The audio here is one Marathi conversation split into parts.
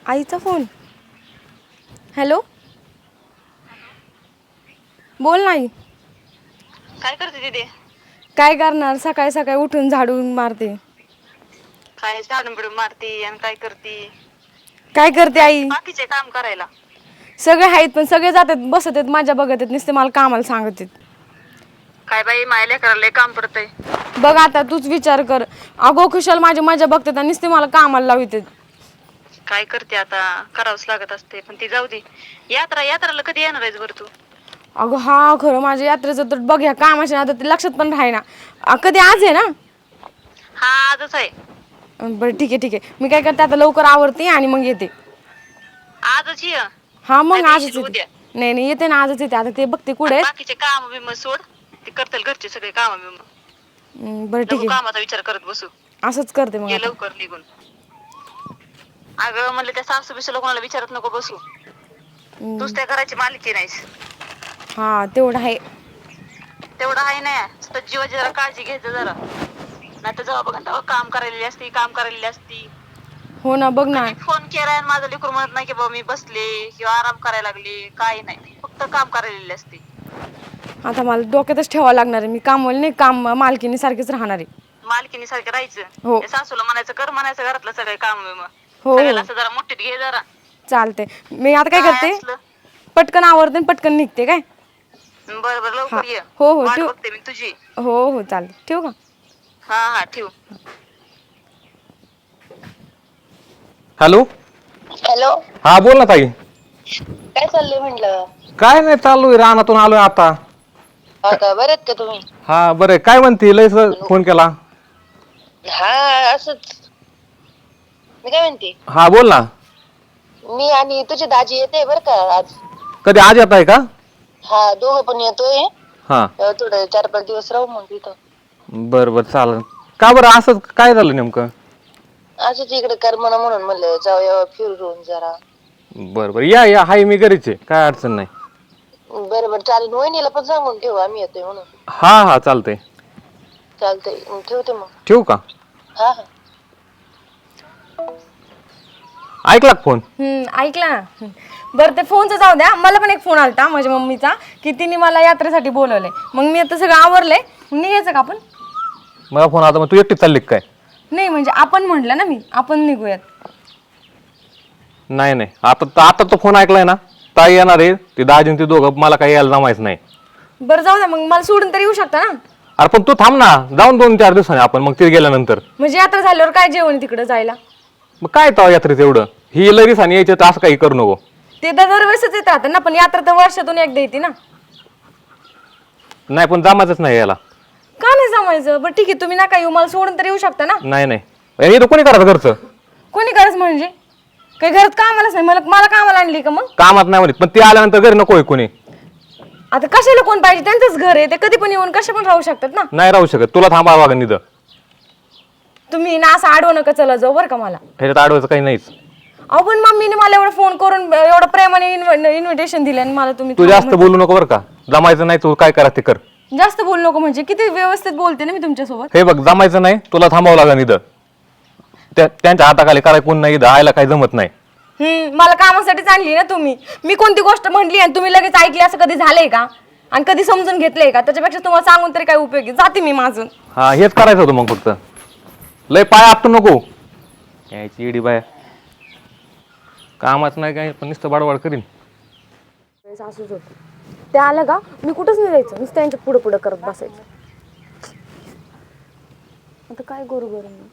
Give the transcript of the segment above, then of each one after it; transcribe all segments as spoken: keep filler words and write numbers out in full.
आईचा फोन. हॅलो, बोल नाही. काय करते दीदी? काय करणार, सकाळी सकाळी उठून झाडून मारते. काय झाडून बिडून मारती आणि काय करती? काय करते आहेत की आई? बाकीचे काम करायला. सगळे आहेत पण सगळे जातात बसत आहेत माझ्या बघत आहेत नुसते मला कामाला सांगत आहेत. काय बाई माय लेकराला लय काम पडतंय. बघ आता तूच विचार कर. अगो खुशाल माझी मजा बघतात आणि नुसते मला कामाला लावितात. काय करते आता, करावंच लागत असते. पण ती जाऊ दे. यात्रा यात्राला कधी येणार आहेस बरं तू? अगं हा खरं माझ्या यात्रेचं तर बघ ह्या कामाच्या नादात ते लक्षात पण राहीना. कधी आज आहे ना? हा आजच आहे. बरं ठीक आहे ठीक आहे. मी काय करते आता लवकर आवरते आणि मग येते. आजच ये. हा नाही मग तर आजच येशील येते. उद्या. नाही नाही येते ना आजच येते. आता ते बघते कुठे आणि आहेत. बाकीचे काम बिम सोड. ते करतील घरचे सगळे काम बिम. हम्म, बरं ठीक नको आहे कामाचा विचार करत बसू. असंच करते मग ये आता. लवकर निघून. अगं म्हणलं त्या सासू बिसूला कोणाला विचारत नको बसू. हम्म, तूच त्या घराची मालकीण आहेस. हा तेवढं आहे. तेवढं आहे ना. तर जीवाची जरा काळजी घ्यायचं जरा. नाही तर जेव्हा बघा तेव्हा काम करायलेली असती काम करायलेली असती. हो ना बघ ना. कधी फोन केलाय आणि माझं लेकरू म्हणत नाही की बाबा मी बसले किंवा आराम करायला लागले. काही नाही. फक्त काम करायलेली असते. आता मला डोक्यातच ठेवावं लागणार आहे. मी कामवाली नाही, काम मालकीनी सारखीच राहणार आहे. मालकीनी सारखं राहायचं. हो त्या सासूला म्हणायचं कर म्हणायचं घरातलं सगळे काम बिम. हो सगळ्याला हो असं जरा मुठीत घे जरा. चालते. मी आता काय करते, असलं पटकन आवरते आणि पटकन निघते काय. बरं बरं हा लवकर ये. हो हो वाट ठेव. बघते मी तुझी. हो हो चालेल ठेवू का? हा हा ठेव. हॅलो. हॅलो. हा बोल ना ताई. काय चाललंय म्हटलं? काय नाही चालू आहे रानातून आलोय आता. हो का, बरे आहेत का तुम्ही? हा बरं काय म्हणते लयच फोन केला. हा असंच. मी काय म्हणते, हा बोल ना. मी आणि तुझी दाजी येते बरं का आज. कधी आज येत आहे का? हा दोघं पण येतोय. हा थोडं चार पाच दिवस राहू मग तिथं. बरं बरं चालेल. का बरं असं काय झालं नेमकं? असंच इकडे करमना म्हणून म्हणलं जाऊया फिरून जरा. बरं बरं या या हाय मी घरीच आहे काय अडचण नाही. बरं बरं चालेल. वहिनीला पण सांगून ठेवू आम्ही येतोय म्हणून. हा हा चालतंय. चालतंय ठेवते मग. ठेवू का? हा हा. ऐकला का फोन? हम्म ऐकला ना. बरं ते फोनचं जाऊ द्या. मला पण एक फोन आलता माझ्या मम्मीचा की तिने मला यात्रेसाठी बोलवलंय. मग मी आता सगळं आवरलंय. निघायचं का आपण? मला फोन आता मग तू एकटीच चालली काय? नाही म्हणजे आपण म्हटलं ना मी आपण निघूयात. नाही नाही आता आता तो फोन ऐकलाय ना. ताई येणार आहे ते दाजी ते दोघं मला काही यायला जमायचं नाही. बरं जाऊ द्या मग मला सोडून तरी येऊ शकता ना. अरे पण तू थांब ना जाऊन दोन चार दिवसांनी आपण मग ते गेल्यानंतर. म्हणजे यात्रा झाल्यावर काय जेवण तिकडे जायला? मग काय तो यात्रेत एवढं ही लगेच आणि यायचं तर असं काही करू नको. ते तर दरवेळेसच येत राहतं ना पण यात्रा तर वर्षातून एकदा येते ना. नाही पण जमायचंच नाही याला. का नाही जमायचं? बरं ठीक आहे तुम्ही नका येऊ मला सोडून तर येऊ शकता ना. नाही नाही हे तर कोणी करायचं घरचं. कोणी गरज म्हणजे काही घरात कामालाच नाही. मला मला कामाला आणली का मग? कामात नाही म्हणत पण ते आल्यानंतर घरी नको आहे कोणी. आता कशाला कोण पाहिजे? त्यांचंच घर आहे ते कधी पण येऊन कशा पण राहू शकतात ना. नाही राहू शकत तुला थांबावं लागेल निधं. तुम्ही ना असं आडवं नका चला जाऊ बरं का मला. ह्याच्यात अडवायचं काही नाहीच. अहो पण मम्मीने मला एवढं फोन करून एवढं प्रेमाने इन्व्हिटेशन दिलं आणि मला तुम्ही तू जास्त बोलू नको बरं का. जमायचं नाही तू काय करा ते कर. जास्त बोलू नको म्हणजे किती व्यवस्थित बोलते ना मी तुमच्यासोबत. हे बघ जमायचं नाही तुला थांबावं लागेल निधं. त्या त्यांच्या हाताखाली कराय कोण नाही इथं आयला काही जमत नाही. हम्म मला कामासाठीच आणली ना तुम्ही. मी कोणती गोष्ट म्हणली आणि तुम्ही लगेच ऐकली असं कधी झालंय का? आणि कधी समजून घेतलंय का? त्याच्यापेक्षा तुम्हाला सांगून तरी काय उपयोगी. जाते मी माझून. हा हेच करायचं होतं मग फक्त. लय पाय आपटू नको. यायची इडी बाय कामाच नाही काय पण नुसतं बाडवाड करीन. असंच होतं. ते आलं का मी कुठंच नाही जायचं नुसतं त्यांच्या पुढं पुढं करत बसायचं. आता काय करू बरं मी?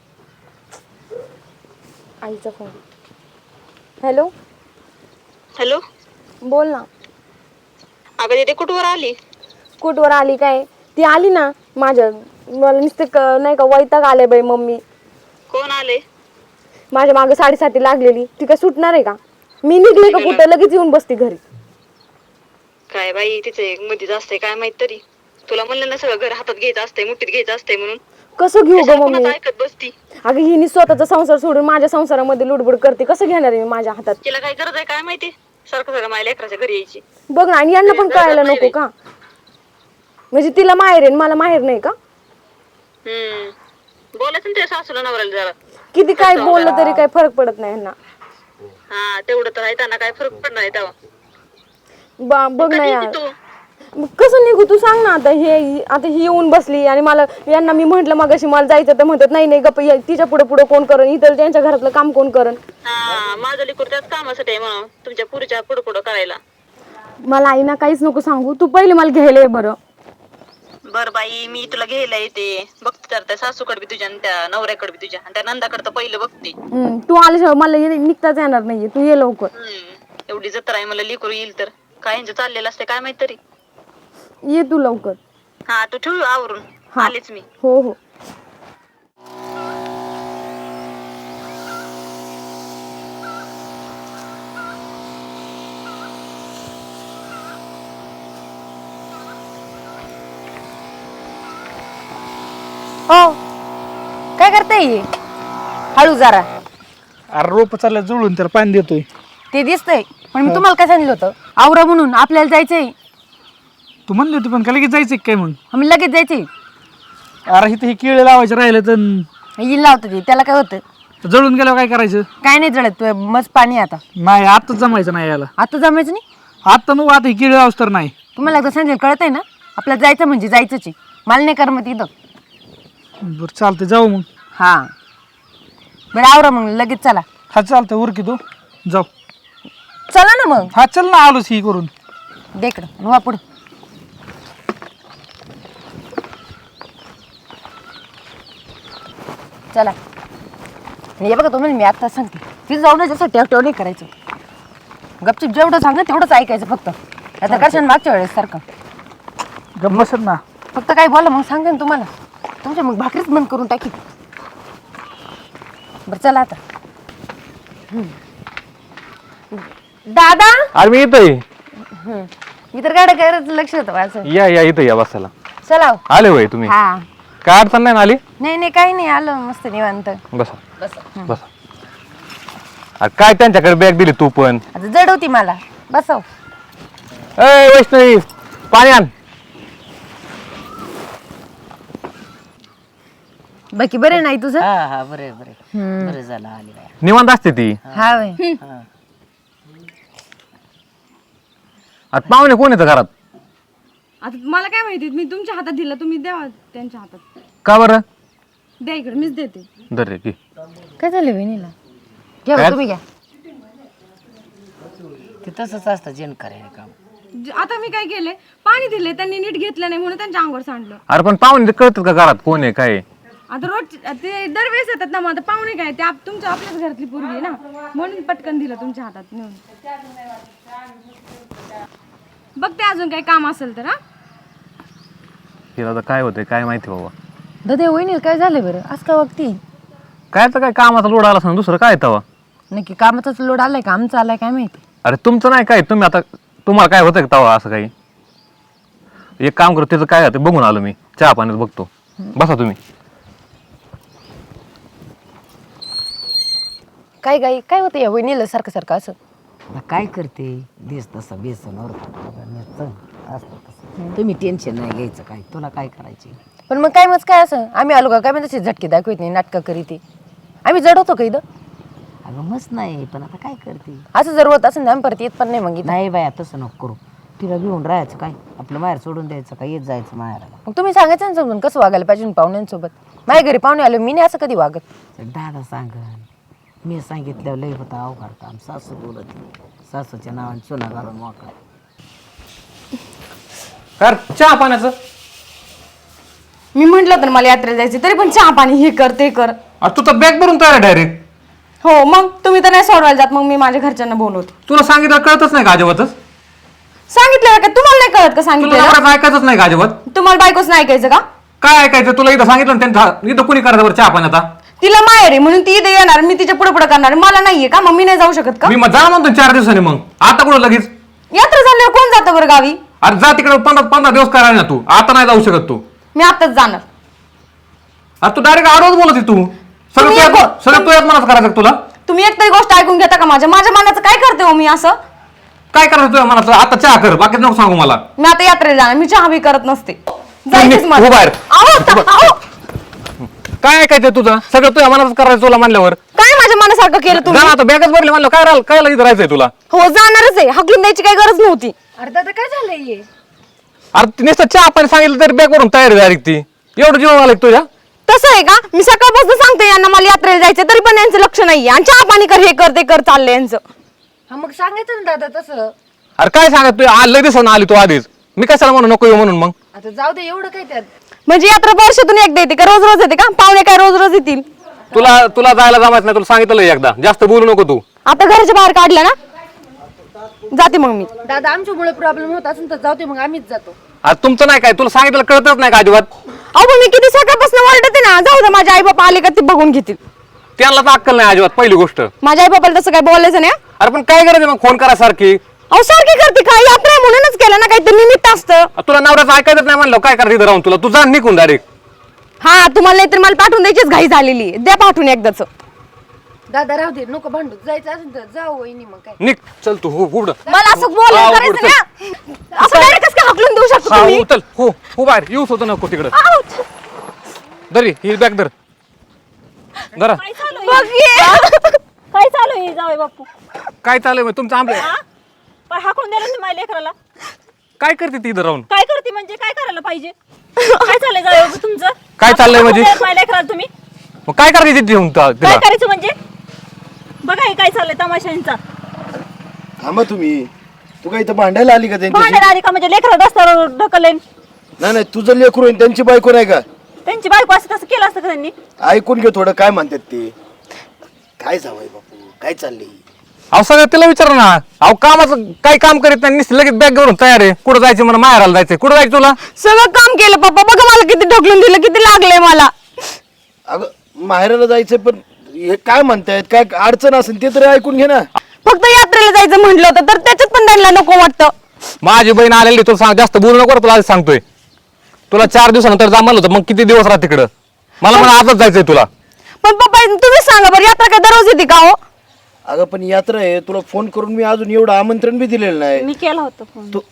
आईचा फोन. हॅलो. हॅलो. बोल ना. अगं दीदी कुठवर आली? कुठवर आली काय? ती आली ना माझ्या. मला नुसतं नाही का वैताग आले बाई मम्मी. कोण आले? माझ्या मागं साडेसाती लागलेली ती काय सुटणार आहे का? मी निघले का कुठं लगेच येऊन बसते घरी. काय बाई तिचे मध्ये जास्त आहे काय माहित तरी. तुला म्हणलं ना सगळं घर हातात घ्यायचं असतंय मुठीत घ्यायचं असतंय म्हणून. कसं घेऊ ग कशाला मम्मी? कोणाचं ऐकत बसती. अगं हिने स्वतःचा संसार सोडून माझ्या संसारामध्ये लुडबुड करते. कसं घेणार आहे मी माझ्या हातात? तिला काय गरज आहे काय माहिती? सारखं सारखं माझ्या लेकराच्या घरी यायची. बघ ना आणि यांना पण कळायला नको का? म्हणजे तिला माहेर आहे मला माहेर नाही का? हम्म बोलायचं ना त्या सासूला नवऱ्याला जरा. किती काय बोललं तरी काही फरक पडत नाही यांना. हा तेवढं तर आहे, त्यांना काय फरक पडणार आहे तेव्हा. बा बघ ना कधी यार, येते तू? मग कसं निघू तू सांग ना. आता हे आता ही येऊन बसली आणि मला यांना मी म्हंटल मगाशी मला जायचं तर म्हणतात नाही नाही गप्प ये, तिच्या पुढे पुढे कोण करण, इतर त्यांच्या घरातलं काम कोण करण. हा माझं लेकरू त्याच कामासाठी आहे म्हणून तुमच्या पुरीच्या पुढं पुढं करायला. मला आई ना काहीच नको सांगू, तू पहिले मला घ्यायला ये बरं. बर बाई मी तुला घ्यायला येते, बघते तर त्या सासूकडे बी तुझ्या आणि त्या नवऱ्याकडे बी तुझ्या आणि त्या नंदाकडे तर पहिलं बघते. हम्म, तू आल्याशिवाय मला ये- निघताच येणार नाहीये, तू ये लवकर. हम्म एवढी जत्रा आहे, मला लेकरू येईल तर काय यांचं चाललेलं असते काय माहित तरी. ये तू लवकर. हा तू ठेवू आवरून, आलेच मी. हो हो. हो काय करताय? हळू जरा, अरे रोप चालल्या जुळून त्याला पाणी देतोय. ते दिसतंय पण मी तुम्हाला काय सांगितलं होतं, आवरा म्हणून आपल्याला जायचंय. तू म्हणली होती पण का लगेच जायचं काय मग? आम्ही लगेच जायचंय. अरे इथे हे केळे लावायचे राहिले तर येईल लावतं ते, त्याला काय होतं? जळून गेल्यावर काय करायचं? काय नाही जळत, तू मस्त पाणी आहे आता. नाही आताच जमायचं नाही याला. आता जमायचं नाही. आता नको, आता हे केळे लावस तर नाही. तुम्हाला एकदा सांगितलं कळत आहे ना, आपल्याला जायचं म्हणजे जायचंच आहे. मला नाही करमत इथं. बरं चालतंय जाऊ मग. हा बरं आवरा मग लगेच चला. हा चालतंय उरकी तो जाऊ. चला ना मग. हा चल ना, आलोच ही करून. देकडं वा पुढं. चला. आणि हे बघा तुम्हाला मी आता सांगते, तिथं जाऊन जसं टेवटेव नाही करायचं. गपचिप जेवढं सांग तेवढंच ऐकायचं फक्त. आता करशान मागच्या वेळेस सारखं. गमसत ना. फक्त काय बोला मग सांगते ना तुम्हाला. तुमच्या मग भाकरीच बंद करून टाकी. बरं चला आता. दादा अरे मी इथं आहे. मी तर गाड्या करायचं लक्ष होतं माझं. या या इथं या बसायला. चला हो. आले होय तुम्ही? हा काय अडचण नाही ना आली? नाही नाही काही नाही, आलं मस्त निवांत. बसा बसा. अरे काय त्यांच्याकडे बॅग दिली तू पण? आता जड होती मला. बसव. ए वैष्णवी पाणी आण. बाकी बरे नाही तुझं? हा हा बरे बरे बरे झालं आली बाया. निवांत असते ती. हा वय. आता पाहुणे कोण येतं घरात? आता मला काय माहिती, मी तुमच्या हातात दिलं, तुम्ही द्या त्यांच्या हातात. का बरं? द्या इकडे, मीच देते. दर रे की. काय झालं बहिणीला? घ्या काय? बा, तुम्ही घ्या. ते तसंच असतं जेन करायला काम. ज- आता मी काय केले, पाणी दिले, त्यांनी नीट घेतलं नाही म्हणून त्यांच्या अंगावर सांडलं. अरे पण पाहुणे कळतात का घरात कोण आहे काय आहे? आता रोज ते दरवेळेस येतात ना, मग आता पाहुणे काय ते आप- तुमच्या आपल्याच घरातली पोरगी आहे ना, म्हणून पटकन दिलं तुमच्या हातात नेऊन. बघते अजून काही काम असेल तर. हा हिला आता काय होतंय काय माहिती बाबा. दादा वहिनीला काय झालं बरं आज का वक्ती? काय तर काय कामाचा लोड आला असं दुसरं काय तवा. नक्की कामाचाच लोड आलाय का आमचा आलाय काय माहिती. अरे तुमचं नाही काय, तुम्ही आता तुम्हाला काय होतं का तवा असं काही? एक काम करतो त्याचं काय होतं बघून आलो मी, चहा पाण्यात बघतो. बसा तुम्ही. काय काय काय होतं या वहिनीला सारखं सारखं असं? आता काय करते देस तसा बेसन असतं तसं. तुम्ही टेन्शन नाही घ्यायचं, काय तुला काय करायचे. पण मग काय मग काय असं आम्ही आलो का काय म्हणजे झटके दाखवत नाही, नाटकं करीत आहे. आम्ही जड होतो का इथं? अगं मस्त नाही पण आता काय करते. असं जर होत असं आम्ही परत येत पण नाही मग इथं. नाही बाया तसं नको करू. तिला घेऊन राहायचं काय, आपलं माहेर सोडून द्यायचं काय, येत जायचं माहेराला. मग तुम्ही सांगायचं ना समजून कसं वागायला पाहिजे पाहुण्यांसोबत. माझ्या घरी पाहुणे आलो मी नाही असं कधी वागत. दादा सांग, मी सांगितल्यावर लई होता अवघड काम. सासू बोलत नाही. सासूच्या नावाने चुना घालून मोकळा. काय चहा पाण्याचं? मी म्हंटल तर मला यात्रेला जायचं, तरी पण चहा पाणी हे कर ते कर. अरे तू तर बॅग भरून तयार डायरेक्ट. हो मग तुम्ही तर नाही सोडवायला जात, मग मी माझ्या घरच्यांना बोलवते. तुला सांगितलं कळतच नाही का अजिबातच? सांगितलं का तुम्हाला नाही कळत का? तुला सांगितलं नवऱ्याचं ऐकायचंच नाही का अजिबात? तुम्हाला बायकोच नाही ऐकायचं का? काय ऐकायचं तुला? इथं सांगितलं ना त्यांच्या इथं कुणी करायचं बरं चहा पाण्याचा? तिला माहेर आहे म्हणून ती इथे येणार, मी तिच्या पुढे पुढे करणार. मला नाहीये का, मग मी नाही जाऊ शकत का? मी मग जा म्हणतो चार दिवसांनी. मग आता कुठं लगेच? यात्रा झाल्यावर कोण जातं बरं गावी? अरे जा तिकडे पंधरा पंधरा दिवस करायला ना तू. आता नाही जाऊ शकत तू. मी आताच जाणार. अरे तू डायरेक्ट आडवच बोलत आहे तू. सगळं तुम्ही तुझ्या एक- सगळं तुझ्याच मनात करायचं का तुला? तुम्ही एक तरी गोष्ट ऐकून घेता का माझ्या माझ्या मनाचं काय करते हो मी असं? काय करायचं तुझ्या मनात? आता चहा कर, बाकी नको सांगू मला. मी आता यात्रेला जाणार, मी चहा बी करत नसते. तुम्ही जायचीच मला. उभा आहे. अहो, ता- अहो. काय ऐकायचं तुझं सगळं तुझ्या मनातच करायचं तुला म्हणल्यावर काय माझ्या मनासारखं केलं जा तुम्ही ना आता बॅगच भरली म्हणलं काय राहिलं काय इथं राहायचंय तुला हो जाणारच आहे हकलून द्यायची काही गरज नव्हती. अरे दादा काय झालंय हे? अरे नुसतं चहा पाणी सांगितलं तरी बॅग भरून तयारी डायरेक्ट ती एवढं जीवन आलं तुझ्या तसं आहे का मी सकाळपासून सांगते यांना मला यात्रेला जायचं तरी पण यांचं लक्ष नाहीये आणि चहा पाणी कर हे कर ते कर चाललंय यांचं. हा मग सांगायचं ना दादा तसं. अरे काय सांगत तू आलं दिवसानं आली तू आधीच मी कशाला म्हणून नको येऊ म्हणून मग आता जाऊ दे एवढं काय त्यात. म्हणजे यात्रा वर्षातून एकदा येते का रोज रोज येते का पाहुणे काय रोज रोज येतील. तुला तुला जायला जमायचं नाही तुला सांगितलं एकदा जास्त बोलू नको तू आता घराच्या बाहेर काढलं ना जाते मग मी. दादा आमच्यामुळे प्रॉब्लेम होत असेल तर जाऊ दे मग आम्हीच जातो. आज तुमचं नाही काय तुला सांगितलं कळतच नाही का अजिबात अहो पण मी किती सकाळपासून ओरडते ना जाऊ दे माझे आई बाबा आले का ते बघून घेतील. त्यांना तर अक्कल नाही अजिबात पहिली गोष्ट माझ्या आई बाबाला तसं काय बोलायचं नाही. अरे पण काय करायचं मग फोन करा सारखी अहो सारखी करते काय यात्रा आहे म्हणूनच केलं ना काहीतरी निमित्त असतं. तुला नवऱ्याचं ऐकायचं नाही म्हणलं काय करायचं इथं राहून तुला तू जा निघून डायरेक्ट हा तुम्हाला नाहीतर मला पाठवून द्यायचीच घाई झालेली आहे. द्या पाठवून एकदाच. दादा राहू दे नको भांडू जायचं असेल तर जाऊ वहिनी मग काय. निघ चल तू हो उघड मला असं बोलायला हा, करायचं उघड, ना असं डायरेक्ट कसं काय हाकलून देऊ शकतो हा तुम्ही. उचल हो हो बाहेर येऊच होतं नको तिकडं आऊच. दरी ही बॅग धर धरा बघ ये. काय चालू आहे जावई बापू काय चाललंय मग तुमचं आंबे पण हाकून द्यायला तुम्ही माझ्या लेकराला काय करते ती इथं राहून काय करते म्हणजे काय करायला पाहिजे काय चाललंय जावई बापू तुमचं काय चाललंय म्हणजे? हाकून द्यायला माझ्या लेकराला तुम्ही मग काय करायची तिथे येऊन ता- काय तिला करायचं म्हणजे बघा हे काय चाललंय तमाशांचा थांबा तुम्ही तू काय इथं भांडायला आली का त्यांच्याशी भांडायला आली का म्हणजे लेकरा रस्त्यावर ढकलेन नाही नाही तुझं लेकरू आहे, त्यांची बायको नाही का त्यांची बायको असं तसं केलं असतं का त्यांनी ऐकून घे थोडं काय म्हणतात ते काय जावंय बापू काय चाललंय अहो सगळं तिला विचार ना अहो कामाचं काही काम करीत नाही नुसतं लगेच बॅग भरून तयार आहे कुठं जायचं म्हणा माहेराला जायचंय कुठं जायचं तुला सगळं काम केलं पप्पा बघा मला किती ढकलून दिलं किती लागलंय मला. अगं माहेराला जायचं पण हे काय म्हणतायत काय अडचण असेल ते तरी ऐकून घे ना फक्त यात्रेला जायचं म्हटलं होतं तर त्याच्यात पण त्यांना नको वाटतं. माझी बहीण आलेली तुला सांग जास्त बोलू नको तुला आधी सांगतोय तुला चार दिवसानंतर जा म्हणलं होतं मग किती दिवस राहत तिकडं मला म्हणा आजच जायचंय तुला पण पप्पा तुम्ही सांगा बरं यात्रा काय दररोज येते का हो. अगं पण यात्रा आहे तुला फोन करून मी अजून एवढं आमंत्रण बी दिलेलं नाही मी केला होता फोन तू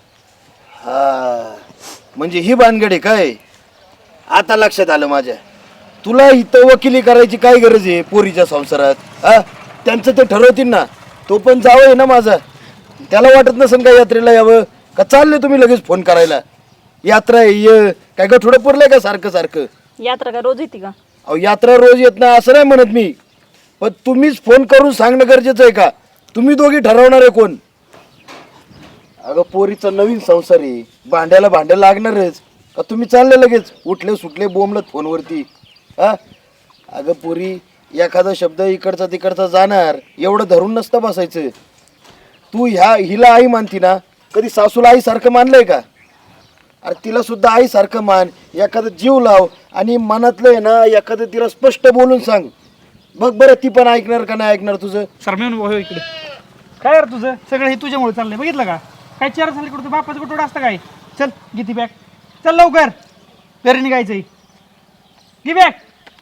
हा म्हणजे ही भानगड आहे काय आता लक्षात आलं माझ्या तुला इथं वकिली करायची काय गरज आहे पोरीच्या संसारात हा त्यांचं ते ठरवतील ना तो पण जावं ना माझा त्याला वाटत नसेल का यात्रेला यावं का चालले तुम्ही लगेच फोन करायला यात्रा आहे ये काय का थोडं पुरलंय का सारखं सारखं यात्रा काय रोज येते का अहो यात्रा रोज येत नाही असं नाही म्हणत मी पण तुम्हीच फोन करून सांगणं गरजेचं आहे का तुम्ही दोघी ठरवणार आहे कोण अगं पोरीचा नवीन संसार आहे भांड्याला भांड्या लागणारच का तुम्ही चालले लगेच उठले सुटले बोंबलत फोनवरती हा अगं पोरी एखादा शब्द इकडचा तिकडचा जाणार एवढं धरून नसतं बसायचं तू ह्या हिला आई मानती ना कधी सासूला आईसारखं मानलंय का अरे तिला सुद्धा आईसारखं मान एखादं जीव लाव आणि मनातलं आहे ना एखादं तिला स्पष्ट बोलून सांग बघ बरं ती पण ऐकणार का नाही ऐकणार तुझं सरमेन भाऊ इकडे काय यार तुझं सगळं हे तुझ्यामुळे चाललंय बघितलं का काय चार झाले कुठं बापाचं कुठं असतं काय चल घे ती बॅग चल लवकर घरी निघायचंय घे बॅग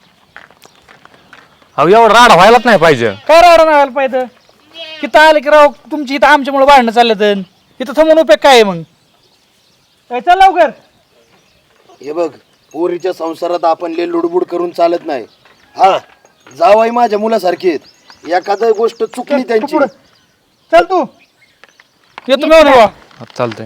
अहो एवढं राड व्हायलाच नाही पाहिजे काय राहणार नाही व्हायला पाहिजे इथं आलं की राव तुमची इथं आमच्यामुळे भांडणं चाललं तर इथं थांबून उपयोग काय आहे मग काय चल लवकर हे बघ पोरीच्या संसारात आपण ले लुडबुड करून चालत नाही हा जावाई माझ्या मुलासारखी आहेत एखादी गोष्ट चुकली त्यांची पुढं. चल तू येतो मी बाबा चालतंय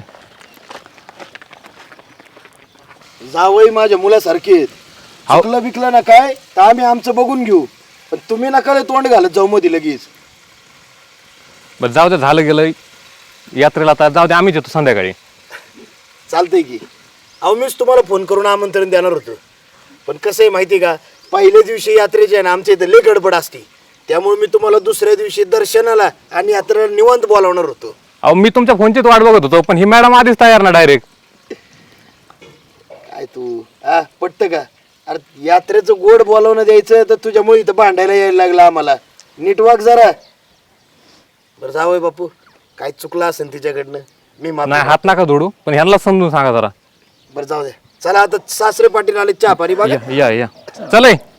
जावई माझ्या मुलासारखी आहेत चुकलं बिकलं ना काय तर आम्ही आमचं बघून घेऊ पण तुम्ही नका लय तोंड घालत जाऊ मध्ये लगेच बरं जाऊ दे झालं गेलं यात्रेला आता जाऊ दे आम्हीच येतो संध्याकाळी चालतंय की अहो मीच तुम्हाला फोन करून आमंत्रण देणार होतो पण कसं आहे माहिती का पहिल्या दिवशी यात्रेची आहे ना आमच्या इथं लय गडबड असते त्यामुळे मी तुम्हाला दुसऱ्या दिवशी दर्शनाला आणि यात्रेला निवांत बोलावणार होतो अहो मी तुमच्या फोनचीच वाट बघत होतो पण ही मॅडम आधीच तयार ना डायरेक्ट काय तू हा पटतं का अरे यात्रेचं गोड बोलावणं द्यायचं तर तुझ्यामुळे इथं भांडायला यायला लागलं आम्हाला नीट वाग जरा बरं जावय बापू काय चुकलं असेल तिच्याकडनं मी माफी नाही हात नका जोडू पण ह्यांना समजून सांगा जरा बरं जाऊ दे चला आता सासरे पाटील आले चहा पाणी बघा या या या चल